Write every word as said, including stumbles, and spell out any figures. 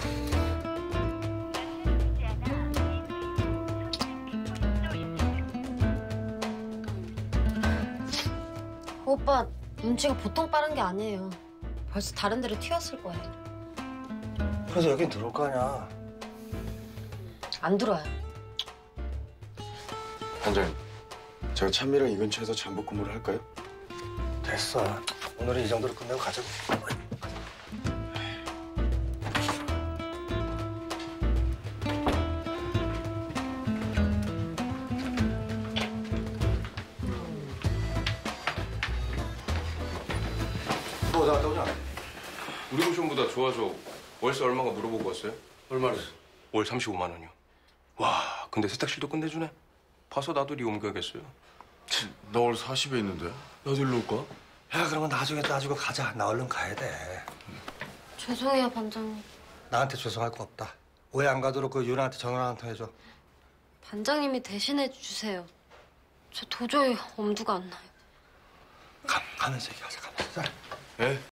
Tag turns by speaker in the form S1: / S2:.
S1: 오빠 눈치가 보통 빠른 게 아니에요. 벌써 다른 데로 튀었을 거예요.
S2: 그래서 여긴 들어올 거 아니야.
S1: 안 들어와요.
S3: 반장님, 제가 찬미랑 이 근처에서 잠복 근무를 할까요?
S2: 됐어. 오늘은 이 정도로 끝내고 가자고. 뭐 나갔다 오냐?
S4: 우리 고시원보다 좋아서 월세 얼마가 물어보고 왔어요?
S2: 얼마래?
S4: 월 삼십오만 원이요. 와, 근데 세탁실도 끝내주네. 봐서 나도 리 옮겨야겠어요.
S3: 나 오늘 사십에 있는데. 나도 일로 올까?
S2: 야, 그러면 나중에 따지고 가자. 나 얼른 가야 돼.
S1: 죄송해요, 반장님.
S2: 나한테 죄송할 거 없다. 오해 안 가도록 그 유나한테 전화 한 통 해줘.
S1: 반장님이 대신해 주세요. 저 도저히 엄두가 안 나요.
S2: 가, 가면서 얘기하자, 가면서.
S4: 예?